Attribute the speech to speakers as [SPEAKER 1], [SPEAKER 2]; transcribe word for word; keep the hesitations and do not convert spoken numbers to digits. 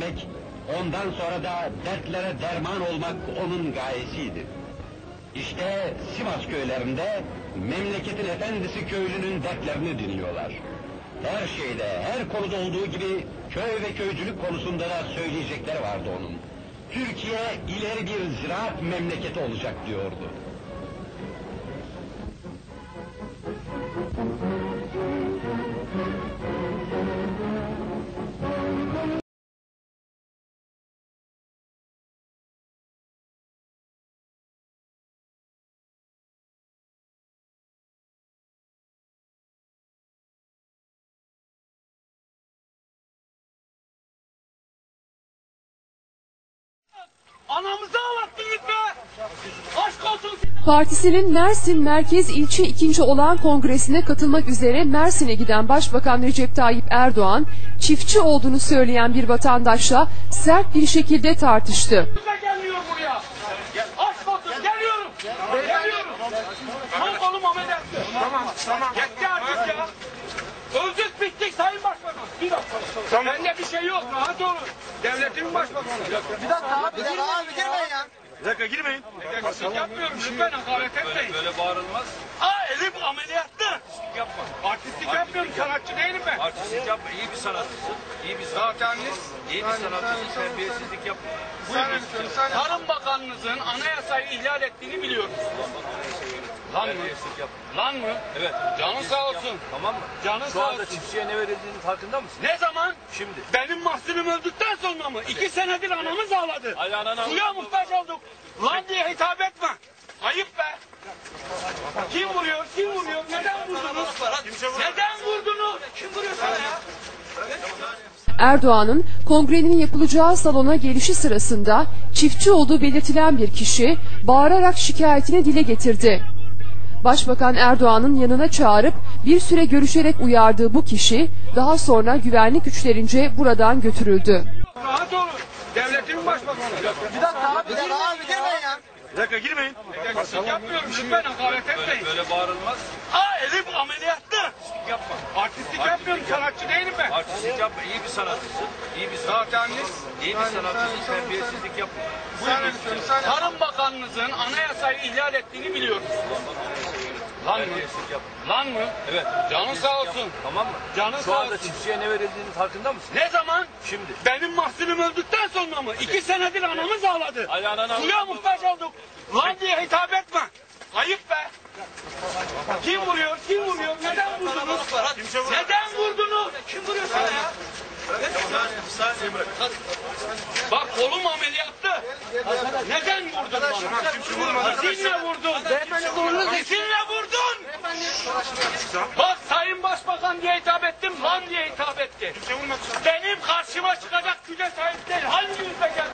[SPEAKER 1] vermek, ondan sonra da dertlere derman olmak onun gayesiydi. İşte Sivas köylerinde memleketin efendisi köylünün dertlerini dinliyorlar. Her şeyde, her konuda olduğu gibi köy ve köycülük konusunda da söyleyecekleri vardı onun. Türkiye ileri bir ziraat memleketi olacak diyordu.
[SPEAKER 2] Anamızı ağlattınız be! Aşk olsun!
[SPEAKER 3] Partisinin Mersin Merkez İlçe ikinci olan kongresine katılmak üzere Mersin'e giden Başbakan Recep Tayyip Erdoğan, çiftçi olduğunu söyleyen bir vatandaşla sert bir şekilde tartıştı.
[SPEAKER 2] Gelmiyor buraya! Aşk olsun! Geliyorum! Geliyorum! Son kolum ameliyatlı! Tamam, tamam. Yetti artık ya! Öldük bittik Sayın Başbakan! Bir dakika! Tamam. Bende bir şey yok, rahat olun! Devletimin başbakanı!
[SPEAKER 4] Bir dakika abi, bir dakika abi, girmeyin ya.
[SPEAKER 2] Bir dakika girmeyin. Artistlik yapmıyorum, lütfen hakaret etmeyin.
[SPEAKER 5] Böyle bağırılmaz.
[SPEAKER 2] Aa, elim ameliyatlı!
[SPEAKER 5] Yapma.
[SPEAKER 2] Artistlik yapmıyorum, sanatçı değilim ben.
[SPEAKER 5] Artistlik yapma. İyi bir sanatçısın. İyi bir sanatçısın. İyi bir sanatçısın. Terbiyesizlik yapma.
[SPEAKER 2] Buyurun. Tarım Bakanınızın anayasayı ihlal ettiğini biliyoruz. Lan mı?
[SPEAKER 5] Terbiyesizlik yapma.
[SPEAKER 2] Lan mı?
[SPEAKER 5] Evet.
[SPEAKER 2] Canın sağ olsun.
[SPEAKER 5] Tamam mı?
[SPEAKER 2] Canın
[SPEAKER 5] Şu
[SPEAKER 2] sağ
[SPEAKER 5] anda
[SPEAKER 2] olsun.
[SPEAKER 5] çiftçiye ne verildiğinin farkında mısın?
[SPEAKER 2] Ne zaman?
[SPEAKER 5] Şimdi.
[SPEAKER 2] Benim mahzunum öldükten sonra mı? İki senedir anamız ağladı.
[SPEAKER 5] Ayağına
[SPEAKER 2] Suya muhtaç olduk. Lan diye hitap etme. Ayıp be. Kim vuruyor? Kim vuruyor? Neden vurdunuz? Neden vurdunuz? Kim vuruyor sana ya?
[SPEAKER 3] Erdoğan'ın kongrenin yapılacağı salona gelişi sırasında çiftçi olduğu belirtilen bir kişi bağırarak şikayetini dile getirdi. Başbakan Erdoğan'ın yanına çağırıp bir süre görüşerek uyardığı bu kişi daha sonra güvenlik güçlerince buradan götürüldü.
[SPEAKER 2] Rahat olun. Devletimin başbakanı.
[SPEAKER 4] Bir dakika abi, bir dakika abi, girmeyin ya.
[SPEAKER 2] Bir dakika girmeyin. Artistlik yapmıyorum, lütfen hakaret etmeyin.
[SPEAKER 5] Böyle bağırılmaz.
[SPEAKER 2] Aa, elim ameliyatlı!
[SPEAKER 5] Yapma.
[SPEAKER 2] Artistlik yapmıyorum, sanatçı değilim ben.
[SPEAKER 5] Artistlik yapma. İyi bir sanatçısın. İyi bir sanatçısın. İyi bir sanatçısın. Terbiyesizlik yapma.
[SPEAKER 2] Buyurun. Tarım Bakanınızın anayasayı ihlal ettiğini biliyoruz. Lan mı?
[SPEAKER 5] Terbiyesizlik yapma.
[SPEAKER 2] Lan mı?
[SPEAKER 5] Evet.
[SPEAKER 2] Canın sağ olsun.
[SPEAKER 5] Tamam mı?
[SPEAKER 2] Canın
[SPEAKER 5] Şu
[SPEAKER 2] sağ
[SPEAKER 5] anda
[SPEAKER 2] olsun.
[SPEAKER 5] çiftçiye ne verildiğinin farkında mısın?
[SPEAKER 2] Ne zaman?
[SPEAKER 5] Şimdi.
[SPEAKER 2] Benim mahzunum öldükten sonra mı? İki senedir anamız ağladı.
[SPEAKER 5] Ayağına
[SPEAKER 2] Suya muhtaç olduk. Lan diye hitap etme. Ayıp be. Kim vuruyor? Kim vuruyor? Neden vurdunuz? Neden vurdunuz? Kim vuruyor sana ya? Bak kolum ameliyatlı. Neden vurdun bana? Sizinle vurdun. Sizinle vurdun. Bak Sayın Başbakan diye hitap ettim, lan diye hitap etti. Benim karşıma çıkacak güce sahip değil. Hangi yüzle geldi